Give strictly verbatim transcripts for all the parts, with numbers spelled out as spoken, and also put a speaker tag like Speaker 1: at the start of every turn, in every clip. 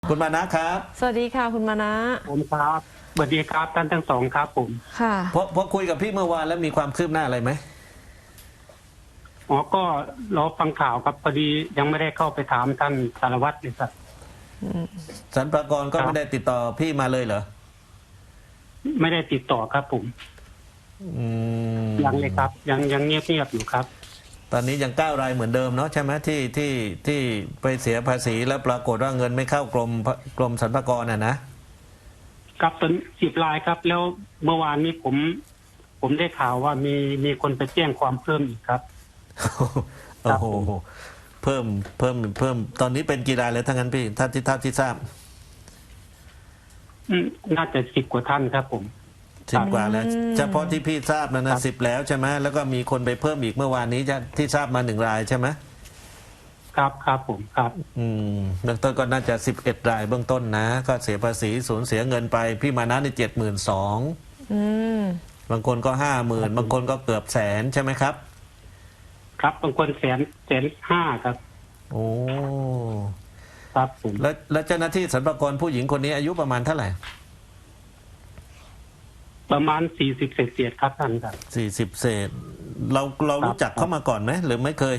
Speaker 1: คุณมานะครับ
Speaker 2: สวัสดีค่ะคุณมานะ
Speaker 3: ผมครับสวัสดีครับท่านทั้งสองครับผม
Speaker 2: ค่ะ
Speaker 1: พอพอคุยกับพี่เมื่อวานแล้วมีความคืบหน้าอะไรไหม
Speaker 3: อ๋อก็รอฟังข่าวครับพอดียังไม่ได้เข้าไปถามท่านสารวัตรเลยครับ
Speaker 1: สรรพากรก็ไม่ได้ติดต่อพี่มาเลยเหรอ
Speaker 3: ไม่ได้ติดต่อครับผม
Speaker 1: อืม
Speaker 3: ยังเลยครับ ยังยังเงียบเงียบอยู่ครับ
Speaker 1: ตอนนี้ยังเก้ารายเหมือนเดิมเนาะใช่ไหมที่ที่ที่ไปเสียภาษีแล้วปรากฏว่าเงินไม่เข้ากรมกรมสรรพากรน่ะนะครับ
Speaker 3: เป็นสิบรายครับ แล้วเมื่อวานนี้ผม ผมได้ข่าวว่ามีมีคนไปแจ้งความเพิ่มอีกครับ
Speaker 1: โอ้โหเพิ่มเพิ่มเพิ่มตอนนี้เป็นกี่รายแล้วทั้งนั้นพี่ท่านที่ท่านที่ทราบ
Speaker 3: อืมน่าจะสิบกว่าท่านครับผม
Speaker 1: สิบกว่าแล้วเฉพาะที่พี่ทราบนะนะสิบแล้วใช่ไหมแล้วก็มีคนไปเพิ่มอีกเมื่อวานนี้จะที่ทราบมาหนึ่งรายใช่ไหม
Speaker 3: ครับครับผมครับ
Speaker 1: อืมเบื้องต้นก็น่าจะสิบเอ็ดรายเบื้องต้นนะก็เสียภาษีสูญเสียเงินไปพี่มานะในเจ็ดหมื่นสองบางคนก็ห้าหมื่นบางคนก็เกือบแสนใช่ไหมครับ
Speaker 3: ครับบางคนแสนแสนห้าครับ
Speaker 1: โอ้
Speaker 3: ครับผม
Speaker 1: แล้วแล้วเจ้าหน้าที่สรรพากรผู้หญิงคนนี้อายุประมาณเท่าไหร่
Speaker 3: ประมาณสี่สิบเศษเศษครับท่านครับ
Speaker 1: สี่สิบเศษเราเรารู้จักเขามาก่อนไหมหรือไม่เคย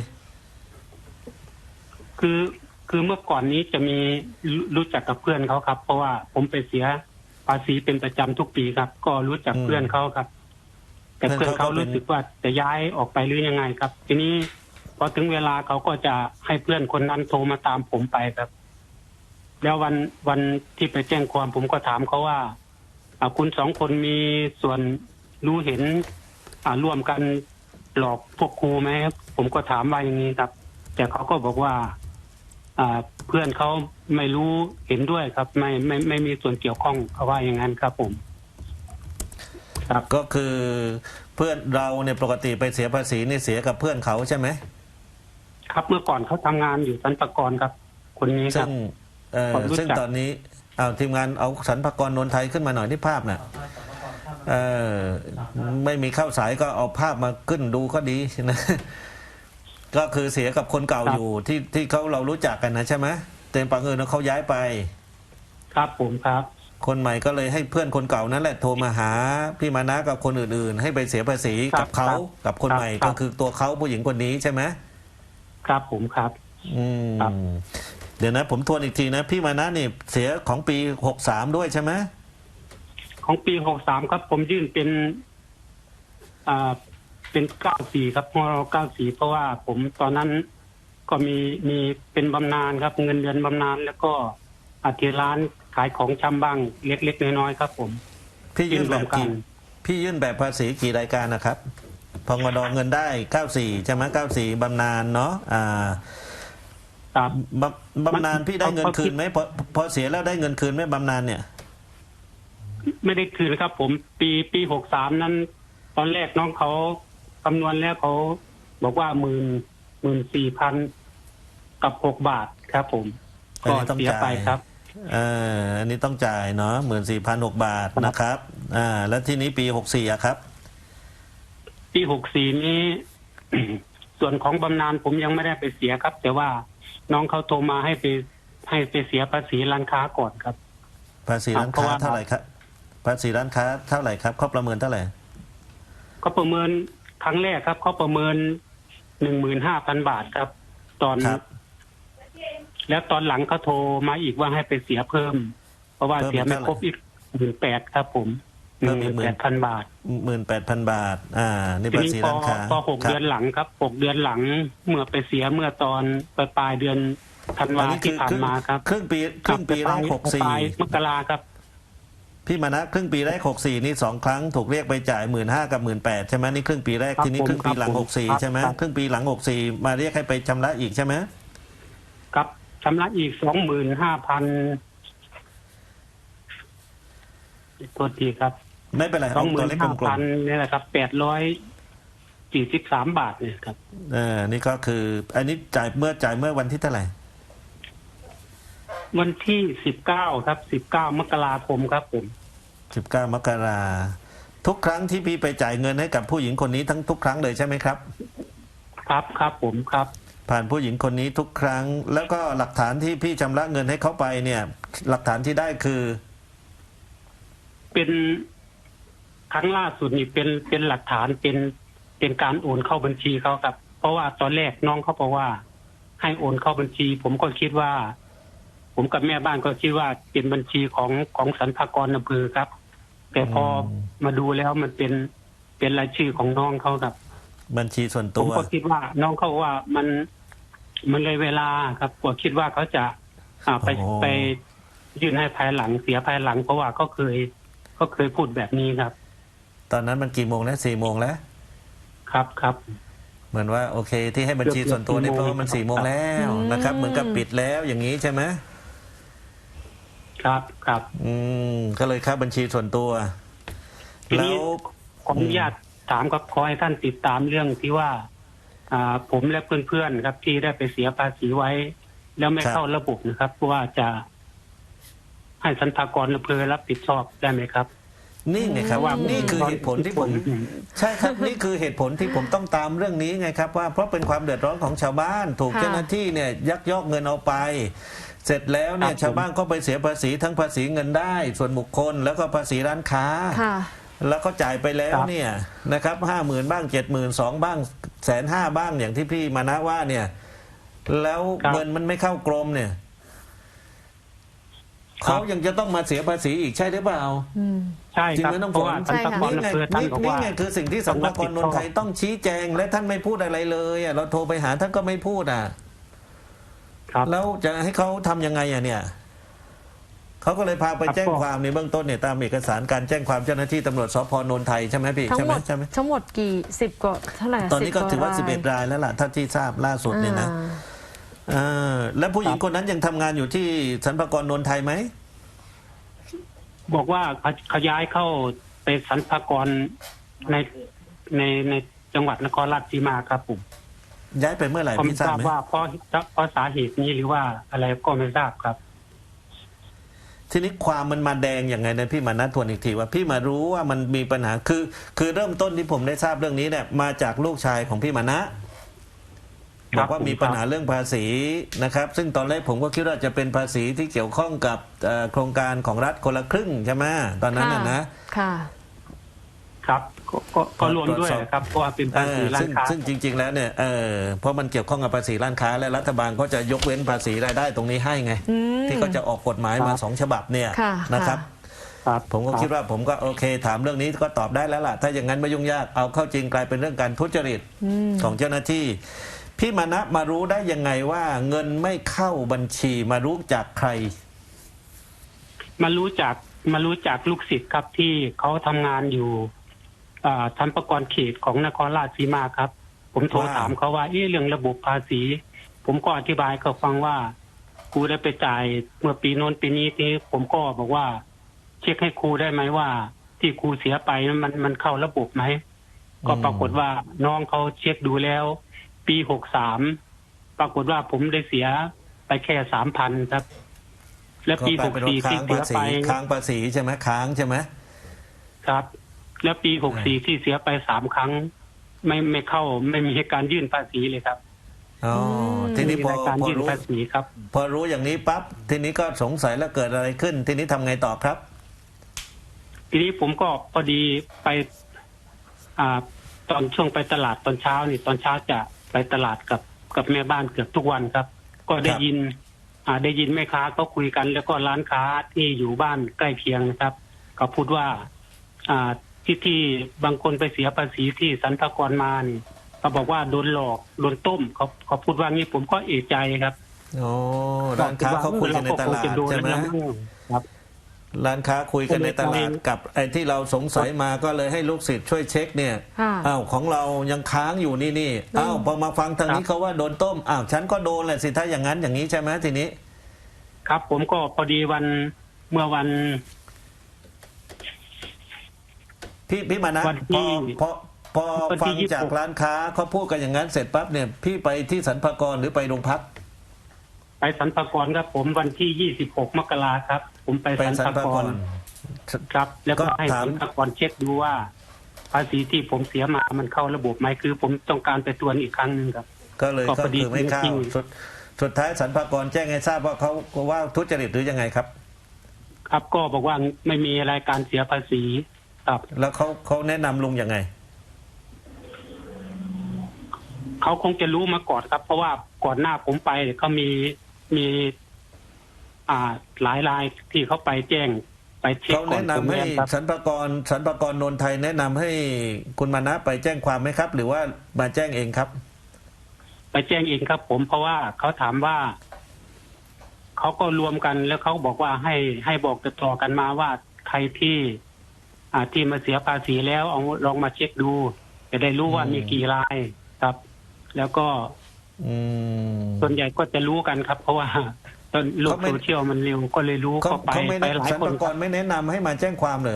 Speaker 3: คือคือเมื่อก่อนนี้จะมีรู้รู้จักกับเพื่อนเขาครับ เพราะว่าผมไปเสียภาษีเป็นประจำทุกปีครับ ก็รู้จักเพื่อนเขาครับ แต่เพื่อนเขารู้สึกว่าจะย้ายออกไปหรือยังไงครับ ทีนี้พอถึงเวลาเขาก็จะให้เพื่อนคนนั้นโทรมาตามผมไปครับ แล้ววันวันที่ไปแจ้งความผมก็ถามเขาว่าอ่าคุณสองคนมีส่วนรู้เห็น อ่าร่วมกันหลอกพวกครูไหมครับผมก็ถามว่าอย่างนี้ครับ แต่เขาก็บอกว่า อ่าเพื่อนเขาไม่รู้เห็นด้วยครับ ไม่ไม่ไม่มีส่วนเกี่ยวข้องเขาว่าอย่างนั้นครับผม
Speaker 1: ครับก็คือเพื่อนเราเนี่ยปกติไปเสียภาษีนี่เสียกับเพื่อนเขาใช่ไหม
Speaker 3: ครับเมื่อก่อนเขาทำงานอยู่สรรพากรครับ คนนี้ค
Speaker 1: ซึ่
Speaker 3: รับ
Speaker 1: งเอ่อซึ่งตอนนี้เอาทีมงานเอาสรรพากรนนไทยขึ้นมาหน่อยที่ภาพน่ะเออไม่มีเข้าสายก็เอาภาพมาขึ้นดูก็ดีนะก็คือเสียกับคนเก่าอยู่ที่ที่เขาเรารู้จักกันนะใช่ไหมเต็มปังเอิญเขาย้ายไป
Speaker 3: ครับผมครับ
Speaker 1: คนใหม่ก็เลยให้เพื่อนคนเก่านั่นแหละโทรมาหาพี่มานะกับคนอื่นๆให้ไปเสียภาษีกับเขากับคนใหม่ก็คือตัวเขาผู้หญิงคนนี้ใช่ไหม
Speaker 3: ครับผมครับ
Speaker 1: อืมเดี๋ยวนะผมทวนอีกทีนะพี่มานะนี่เสียของปีหกสามด้วยใช่ไหม
Speaker 3: ของปีหกสามครับผมยื่นเป็น อ่าเป็นเก้าสี่ครับพรเก้าสี่เพราะว่าผมตอนนั้นก็มีมีเป็นบำนาญครับ เงินเดือนบำนาญแล้วก็อาทิร้านขายของชำบ้างเล็กๆน้อยๆครับ ผม
Speaker 1: พี่ยื่นแบบกี่พี่ยื่นแบบภาษีกี่รายการนะครับพงดเงินได้เก้าสี่ใช่ไหมเก้าสี่บำนาญเนาะอ่า
Speaker 3: ครับ
Speaker 1: บำนาญพี่ได้เงินคืนไหมพอพอเสียแล้วได้เงินคืนไหมบำนาญเนี่ย
Speaker 3: ไม่ได้คืนครับ ผมปีปีหกสามนั้น ตอนแรกน้องเขาคำนวณแล้วเขาบอกว่าหมื่นหมื่นสี่พันกับหกบาทครับ ผมก็เสียไปครับ
Speaker 1: เอออันนี้ต้องจ่ายเนาะหมื่นสี่พันหกบาทนะครับอ่าแล้วที่นี้ปีหกสี่อะครับ
Speaker 3: ปีหกสี่นี้ ส่วนของบำนาญผมยังไม่ได้ไปเสียครับ แต่ว่าน้องเขาโทรมาให้ไปให้ไปเสียภาษีร้านค้าก่อนครับ
Speaker 1: ภาษีร้านค้าเท่าไหร่ครับภาษีร้านค้าเท่าไหร่ครับเขาประเมินเท่าไหร่
Speaker 3: เขาประเมินครั้งแรกครับเขาประเมินหนึ่งหมื่นห้าพันบาทครับ ตอนแล้วตอนหลังเขาโทรมาอีกว่าให้ไปเสียเพิ่ม เพราะว่าเสียไม่ครบอีกหมื่นแปดครับ ผมหนึ่งหมื่นแปดพันบาท
Speaker 1: หมื่นแปดพันบาทอ่านี่ภาษีร้านค้า
Speaker 3: พอหกเดือนหลังครับหกเดือนหลังเมื่อไปเสียเมื่อตอนปลายปลายเดือนธันวาที่ผ่านมาครับ
Speaker 1: ครึ่งปีครึ่งปีแรกหกสี่
Speaker 3: มกราครับ
Speaker 1: พี่มานะครึ่งปีแรกหกสี่นี่สองครั้งถูกเรียกไปจ่ายหมื่นห้ากับหมื่นแปดใช่ไหมนี่ครึ่งปีแรกทีนี้ครึ่งปีหลังหกสี่ใช่ไหมครึ่งปีหลังหกสี่มาเรียกให้ไปชำระอีกใช่ไหม
Speaker 3: ครับชำระอีกสองหมื่นห้าพันโทษทีครับ
Speaker 1: ไม่เป็นไร
Speaker 3: สองหมื่นห้าพันนี่แหละครับแปดร้อยสี่สิบสามบาทเนี่ยครับ
Speaker 1: เออนี่ก็คืออันนี้จ่ายเมื่อจ่ายเมื่อวันที่เท่าไหร่
Speaker 3: วันที่สิบเก้าครับสิบเก้ามกราคมครับผม
Speaker 1: สิบเก้ามกราทุกครั้งที่พี่ไปจ่ายเงินให้กับผู้หญิงคนนี้ทั้งทุกครั้งเลยใช่ไหมครับ
Speaker 3: ครับครับผมครับ
Speaker 1: ผ่านผู้หญิงคนนี้ทุกครั้งแล้วก็หลักฐานที่พี่ชำระเงินให้เขาไปเนี่ยหลักฐานที่ได้คือ
Speaker 3: เป็นครั้งล่าสุดนี่เป็นเป็นหลักฐานเป็นเป็นการโอนเข้าบัญชีเขาครับ เพราะว่าตอนแรกน้องเขาบอกว่า ให้โอนเข้าบัญชี ผมก็คิดว่า ผมกับแม่บ้านก็คิดว่าเป็นบัญชีของของสรรพากรอำเภอครับ แต่พอมาดูแล้วมันเป็นเป็นรายชื่อของน้องเขาครับ
Speaker 1: บัญชีส่วน
Speaker 3: ผ
Speaker 1: ตั
Speaker 3: ม
Speaker 1: ว
Speaker 3: ก็คิดว่าน้องเขาว่ามันมันเลยเวลาครับก็คิดว่าเขาจะอ่าไป
Speaker 1: โอ้
Speaker 3: ไปยื่นให้ภายหลังเสียภายหลัง เพราะว่าเขาเคยเขาเคยพูดแบบนี้ครับ
Speaker 1: ตอนนั้นมันกี่โมงแล้วสี่โมงแล้ว
Speaker 3: ครับครับ
Speaker 1: เหมือนว่าโอเค ที่ให้บัญชีส่วนตัวนี่เพราะว่ามันสี่โมงแล้วนะครับ เหมือนกับปิดแล้วอย่างนี้ใช่ไหม
Speaker 3: ครับครับ
Speaker 1: อืมก็เลยค่าบัญชีส่วนตัว
Speaker 3: ที
Speaker 1: แล้
Speaker 3: นี้
Speaker 1: ว
Speaker 3: ขออนุญาตถามครับขอให้ท่านติดตามเรื่องที่ว่า อ่า ผมและเพื่อนๆครับ ที่ได้ไปเสียภาษีไว้ แล้วไม่
Speaker 1: ครับ
Speaker 3: เข้าระบบนะครับเพราะว่าจะให้สรรพากรอำเภอรับผิดชอบได้ไหมครับ
Speaker 1: นี่ไงครับ
Speaker 3: ว่า
Speaker 1: นี่คือเหตุผลที่ผม ใช่ครับ นี่คือเหตุผลที่ผมต้องตามเรื่องนี้ไงครับว่าเพราะเป็นความเดือดร้อนของชาวบ้านถูก
Speaker 2: ค่ะ
Speaker 1: เจ้าหน้าที่เนี่ยยักยอกเงินเอาไป เสร็จแล้วเนี่ย
Speaker 3: ครับผม
Speaker 1: ชาวบ้านก็ไปเสียภาษีทั้งภาษีเงินได้ ส่วนบุคคล แล้วก็ภาษีร้านค้า
Speaker 2: ค่ะ
Speaker 1: แล้วก็จ่ายไปแล้วเนี่ยนะครับห้าหมื่นบ้างเจ็ดหมื่นสองบ้างแสนห้าบ้างอย่างที่พี่มานะว่าเนี่ย แล้วเงินมันไม่เข้ากรมเนี่ยเขายังจะต้องมาเสียภาษีอีกใช่หรือเปล่า
Speaker 2: อืม
Speaker 3: ใช่
Speaker 1: จริง
Speaker 3: ครับ
Speaker 1: ไหมน้อง
Speaker 3: เพ
Speaker 1: ฝ
Speaker 3: ราะ
Speaker 1: น
Speaker 3: ว่าสรรพากร
Speaker 1: นี่
Speaker 3: อำ
Speaker 1: ไง
Speaker 3: เภอท่าน
Speaker 1: นี่
Speaker 3: บอก
Speaker 1: นี่
Speaker 3: ว่า
Speaker 1: ไงคือสิ่งที่สรรพากรนนทไทยต้องชี้แจง และท่านไม่พูดอะไรเลยอ่ะเราโทรไปหาท่านก็ไม่พูดอ่ะ
Speaker 3: ครับ
Speaker 1: แล้วจะให้เขาทำยังไงอ่ะเนี่ยเขาก็เลยพาไปแจ้งความในเบื้องต้นเนี่ยตามเอกสารการแจ้งความเจ้าหน้าที่ตำรวจสพนนทไทยใช่ไหมพี่
Speaker 2: ทั้ง
Speaker 1: ใช่
Speaker 2: ห
Speaker 1: ไห
Speaker 2: ม
Speaker 1: ม
Speaker 2: ด
Speaker 1: ใช่ไหม
Speaker 2: ทั้งหมดกี่สิบกว่าเท่าไหร่
Speaker 1: ตอนนี้ก็ถือว่า
Speaker 2: รย
Speaker 1: สิบเอ็ดรายแล้วล่ะถ้าที่ทราบล่าสุดเนี่ยนะ
Speaker 2: อ่า
Speaker 1: เออแล้วผู้หญิงคนนั้นยังทำงานอยู่ที่สรรพากรนนทไทยไหม
Speaker 3: บอกว่าเขาเขาย้ายเข้าไปสรรพากรในในในจังหวัดนครราชสีมาครับผม
Speaker 1: ย้ายไปเมื่อไหร่
Speaker 3: ผม
Speaker 1: พี่
Speaker 3: ท
Speaker 1: ทรา
Speaker 3: รา
Speaker 1: บบ ไหม
Speaker 3: ว่าเพราะเพราะสาเหตุนี้หรือว่าอะไรก็ไม่ทราบครับ
Speaker 1: ทีนี้ความมันมาแดงอย่างไงนะพี่มานัดทวนอีกทีว่าพี่มารู้ว่ามันมีปัญหาคือ คือเริ่มต้นที่ผมได้ทราบเรื่องนี้เนี่ยมาจากลูกชายของพี่มานะ
Speaker 3: ค
Speaker 1: บ
Speaker 3: รั
Speaker 1: อบ กว่ามีปัญหาเรื่องภาษีนะครับ ซึ่งตอนแรกผมก็คิดว่าจะเป็นภาษีที่เกี่ยวข้องกับเอ่อโครงการของรัฐคนละครึ่งใช่ไหมตอนนั้นน่ะนะ
Speaker 2: ค่ะ
Speaker 3: ครับก็ก็ก็รวมด้วย
Speaker 1: ตรวจสอบ
Speaker 3: ครับเพราะว่าเป็น
Speaker 1: เอ
Speaker 3: ภาษี
Speaker 1: อ
Speaker 3: ร้า
Speaker 1: ซึ่
Speaker 3: น
Speaker 1: ง
Speaker 3: ค้า
Speaker 1: ซึ่งจริง ๆ แล้วเนี่ยเออเพราะมันเกี่ยวข้องกับภาษีร้านค้า และรัฐบาลก็จะยกเว้นภาษีรายได้ตรงนี้ให้ไง
Speaker 2: อืม
Speaker 1: ที่ก็จะออกกฎหมายมาสองฉบับเนี่ย
Speaker 2: ค่ะ
Speaker 1: นะครับ
Speaker 2: ค่ะ
Speaker 3: ครับ
Speaker 1: ผมก็คิดว่าผมก็โอเค ถามเรื่องนี้ก็ตอบได้แล้วล่ะ ถ้าอย่างนั้นไม่ยุ่งยากเอาเข้าจริงกลายเป็นเรื่องการทุจริต
Speaker 2: อืม
Speaker 1: ของเจ้าหน้าที่ พี่มานะมารู้ได้ยังไงว่าเงินไม่เข้าบัญชีมารู้จากใคร
Speaker 3: มารู้จักมารู้จักลูกศิษย์ครับที่เขาทำงานอยู่อ่าสรรพากรเขตของนครราชสีมาครับ ผมโทร
Speaker 1: ว่า
Speaker 3: ถามเขาว่าเอ๊ะเรื่องระบบภาษี ผมก็อธิบายเขาฟังว่าครูได้ไปจ่ายเมื่อปีโน้นปีนี้ที่ผมก็บอกว่า เช็คให้ครูได้ไหมว่า ที่ครูเสียไปนั้นมันมันเข้าระบบไหมก็ปรากฏว่าน้องเขาเช็คดูแล้ว ปีหกสามปรากฏว่าผมได้เสียไปแค่สามพันครับ และ
Speaker 1: ก็
Speaker 3: ปี
Speaker 1: ก
Speaker 3: ห
Speaker 1: ลาย
Speaker 3: ก
Speaker 1: เป็นว่า
Speaker 3: สี่ที่
Speaker 1: ค้าง
Speaker 3: เสี
Speaker 1: ภาย ษี
Speaker 3: ไป
Speaker 1: ค้างภาษีใช่ไหมค้างใช่ไหม
Speaker 3: ครับ แล้วปีหกสี่ที่เสียไปสามครั้ง ไม่ไม่เข้าไม่มีการยื่นภาษีเลยครับ
Speaker 1: อ๋อ
Speaker 2: ม
Speaker 1: ทีนี้
Speaker 3: มี
Speaker 1: พอ
Speaker 3: รายการ
Speaker 1: พอ
Speaker 3: ยื่น
Speaker 1: รู้
Speaker 3: ภาษีครับ
Speaker 1: พอรู้อย่างนี้ปั๊บทีนี้ก็สงสัยแล้วเกิดอะไรขึ้น ทีนี้ทำไงต่อครับ
Speaker 3: ทีนี้ผมก็พอดีไป อ่า ตอนช่วงไปตลาดตอนเช้านี่ตอนเช้าจะไปตลาดกับกับแม่บ้านเกือบทุกวันครับ ก็ได้
Speaker 1: ครับ
Speaker 3: ยิน อ่า ได้ยินแม่ค้าก็คุยกัน แล้วก็ร้านค้าที่อยู่บ้านใกล้เคียงนะครับก็พูดว่า อ่าที่ที่บางคนไปเสียภาษีที่สรรพากรมานี่เขาบอกว่าโดนหลอกโดนต้มเขาเขาพูดว่างี้ผมก็เอะใจครับ
Speaker 1: โอ้ร้านค้าเขาคุยกันในตลาดใช่ไหม
Speaker 3: ครับ
Speaker 1: ร้านค้าคุยกันในตลาดกับไอ้ที่เราสงสัยมาก็เลยให้ลูกศิษย์ช่วยเช็คเนี่ย
Speaker 2: ค่ะ
Speaker 1: อ้าวของเรายังค้างอยู่นี่นี่อ้าวพอมาฟังทางนี้เขาว่าโดนต้มอ้าวฉันก็โดนแหละสิถ้าอย่างนั้นอย่างนี้ใช่ไหมทีนี้
Speaker 3: ครับ ผมก็พอดีวันเมื่อวัน
Speaker 1: พี่พี่มานะ
Speaker 3: วัน
Speaker 1: พ
Speaker 3: ที่
Speaker 1: อพอพอ
Speaker 3: วันที่
Speaker 1: ฟัง
Speaker 3: ยี่สิบหก
Speaker 1: จากร้านค้าเขาพูดกันอย่างนั้นเสร็จปั๊บเนี่ยพี่ไปที่สรรพากรหรือไปโรงพัก
Speaker 3: ไปสรรพากรครับ ผมวันที่ยี่สิบหกมกราครับ ผมไป
Speaker 1: ไป
Speaker 3: สรร
Speaker 1: สรร
Speaker 3: พา
Speaker 1: พาก ก
Speaker 3: ร
Speaker 1: ร
Speaker 3: ครับ แล้วก็
Speaker 1: ก็
Speaker 3: ให้
Speaker 1: ถา
Speaker 3: ส
Speaker 1: ม
Speaker 3: รรพากรเช็คดูว่า ภาษีที่ผมเสียมามันเข้าระบบไหมคือ ผมต้องการไปตรวจอีกครั้งหนึ่งครับ
Speaker 1: ก็เลย
Speaker 3: ก็
Speaker 1: ก็
Speaker 3: พอดี
Speaker 1: คือไม่เข้า
Speaker 3: จริง
Speaker 1: สุดสุดท้ายสรรพากรแจ้งให้ทราบว่าเขาว่าทุจริตหรือยังไงครับ
Speaker 3: ครับก็บอกว่าไม่มีอะไรการเสียภาษีครับ
Speaker 1: แล้วเขาเขาแนะนำลุงยังไง
Speaker 3: เขาคงจะรู้มาก่อนครับ เพราะว่าก่อนหน้าผมไปเขามีมี อ่าหลายรายที่เขาไปแจ้งไปเช็ค
Speaker 1: เขา
Speaker 3: ก่อน
Speaker 1: แนะ
Speaker 3: ผม
Speaker 1: นำให้
Speaker 3: เนี่ยครับ
Speaker 1: สรรพากรสรรพากรนนไทยแนะนำให้คุณมานะไปแจ้งความไหมครับ หรือว่ามาแจ้งเองครับ
Speaker 3: ไปแจ้งเองครับ ผมเพราะว่าเขาถามว่าเขาก็รวมกันแล้วเขาบอกว่าให้ให้บอกต่อๆกันมาว่าใครที่ อ่าที่มาเสียภาษีแล้วเอาลองมาเช็คดู จะได้รู้ว่า
Speaker 1: อืม
Speaker 3: มีกี่รายครับ แล้วก็
Speaker 1: อืม
Speaker 3: ส่วนใหญ่ก็จะรู้กันครับ เพราะว่าตอนโลก
Speaker 1: เขาไม่
Speaker 3: โซเชียลมันเร็วก็เลยรู้
Speaker 1: เขา
Speaker 3: ก็ไป
Speaker 1: เขาไม่
Speaker 3: ไป
Speaker 1: แนะ
Speaker 3: หลาย
Speaker 1: สรร
Speaker 3: คน
Speaker 1: พา
Speaker 3: ค
Speaker 1: ก
Speaker 3: รั
Speaker 1: ร
Speaker 3: บ
Speaker 1: ไม่แนะนำให้มาแจ้งความเลย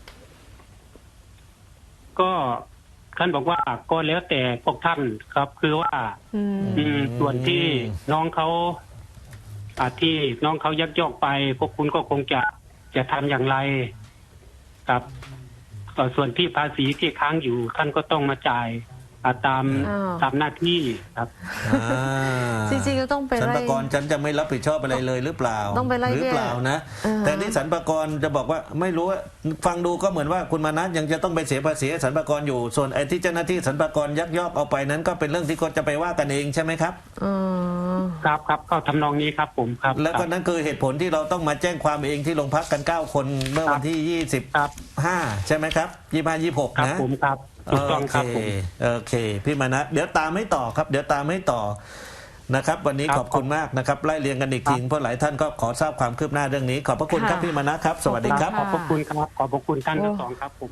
Speaker 3: ก็ท่านบอกว่าก็แล้วแต่พวกท่านครับ คือว่า
Speaker 2: อืม
Speaker 3: อืมส่วนที่น้องเขาอ่าที่น้องเขายักยอกไป พวกคุณก็คงจะจะทำอย่างไรครับต่อส่วนที่ภาษีที่ค้างอยู่ท่านก็ต้องมาจ่ายอ่าตาม
Speaker 2: อ้าว
Speaker 3: ตามหน้าที่ครับ
Speaker 1: อ่า
Speaker 2: จริงๆก็ต้องไป
Speaker 1: สรร
Speaker 2: ไล่
Speaker 1: พากรฉันจะไม่รับผิดชอบอะไรเลยหรือเปล่า
Speaker 2: ต้องไปไล่
Speaker 1: หรือเปล่านะ
Speaker 2: เบี้ย
Speaker 1: แต่นี่สรรพากรจะบอกว่าไม่รู้ว่าฟังดูก็เหมือนว่าคุณมานะยังจะต้องไปเสียภาษีให้สรรพากรอยู่ ส่วนไอ้ที่เจ้าหน้าที่สรรพากรยักยอกเอาไปนั้นก็เป็นเรื่องที่เขาจะไปว่ากันเองใช่ไหมครับ
Speaker 2: อ๋อ
Speaker 3: ครับครับก็ทำนองนี้ครับ ผมครับ
Speaker 1: แล้วก็นั่นคือเหตุผลที่เราต้องมาแจ้งความเองที่โรงพักกันเก้าคนเมื่อวันที่ยี่สิบ
Speaker 3: ครับ
Speaker 1: ห้าใช่ไหมครับยี่ห้ายี่หก
Speaker 3: ครับ
Speaker 1: นะ
Speaker 3: ผมครับถูกต้องครับผม
Speaker 1: โอเคพี่มานะเดี๋ยวตามให้ต่อครับ เดี๋ยวตามให้ต่อนะครับ วันนี้
Speaker 3: ครับ
Speaker 1: ขอบคุณมากนะครับไล่เรียงกันอีกทีเพราะหลายท่านก็ขอทราบความคืบหน้าเรื่องนี้ ขอบพระคุณครับ
Speaker 2: ค่ะ
Speaker 1: พี่มานะครับ สวัสดีครับ
Speaker 3: ขอบพระคุณครับ ขอบพระคุณท่านทั้งสองครับผม